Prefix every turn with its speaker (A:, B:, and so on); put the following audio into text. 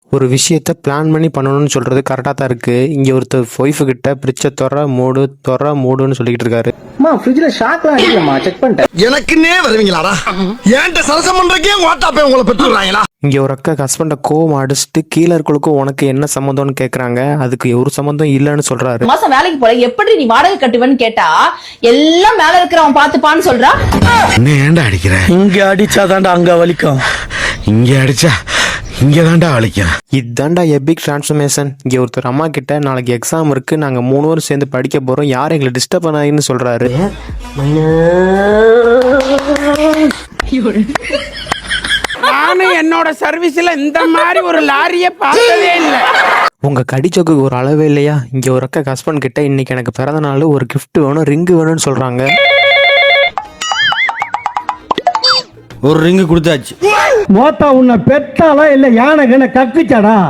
A: ஒரு விஷயத்த பிளான் பண்ணி பண்ணணும்னு சொல்றது கரெக்டாக தான் இருக்கு. இங்க ஒருத்தர் ஒய்ஃபு கிட்ட பிரிட்சை தொற மூடுன்னு சொல்லிக்கிட்டு இருக்காரு.
B: ஃப்ரிட்ஜ்ல ஷாக்லாம் அடிக்கலமா, செக் பண்ணிட்டேன்.
C: எனக்குன்னே வருவீங்களாடா? ஏன்ட்ட சரசம் பண்றக்கே வாட்டாப்பே உங்களை பெற்றுறாங்களா?
A: இங்க ஒரு அக்கா ஹஸ்பண்டை கோவம் அடிச்சுட்டு கீழே இருக்கலுக்கும் உனக்கு என்ன சம்மந்தம்னு கேக்குறாங்க. அதுக்கு ஒரு சம்மந்தம் இல்லைன்னு சொல்றாரு.
D: மாசம் வேலைக்கு போல எப்படி நீ வாடகை கட்டுவேன்னு கேட்டா எல்லாம் மேல இருக்கிறவன் பாத்துப்பான்னு சொல்றா.
C: என்ன ஏன்டா அடிக்கிற?
B: இங்க அடிச்சாதான்டா அங்க வலிக்கும்,
C: இங்க அடிச்சா இங்க தான்டா வலிக்கும்.
A: இதாண்டா எபிக் டிரான்ஸ்ஃபர்மேஷன். இங்க ஒருத்தர் அம்மா கிட்ட நாளைக்கு எக்ஸாம் இருக்கு, நாங்க 3 பேரும் சேர்ந்து படிக்க போறோம், யாரும் எங்களை டிஸ்டர்ப் பண்ணாதுன்னு சொல்றாரு.
E: நானும் என்னோட சர்வீஸ்ல இந்த மாதிரி ஒரு லாரியை பார்த்ததே இல்லை.
A: உங்க கடிச்சோக்கு ஒரு அளவே இல்லையா? இங்க ஒரு அக்கா ஹஸ்பண்ட் கிட்ட இன்னைக்கு எனக்கு பிறந்த நாள், ஒரு கிஃப்ட் வேணும், ரிங்கு வேணும்னு சொல்றாங்க.
F: ஒரு ரிங்கு கொடுத்தாச்சு.
B: மோத்தா உன்னை பெத்தாலா இல்ல யானை கக்குச்சாடா?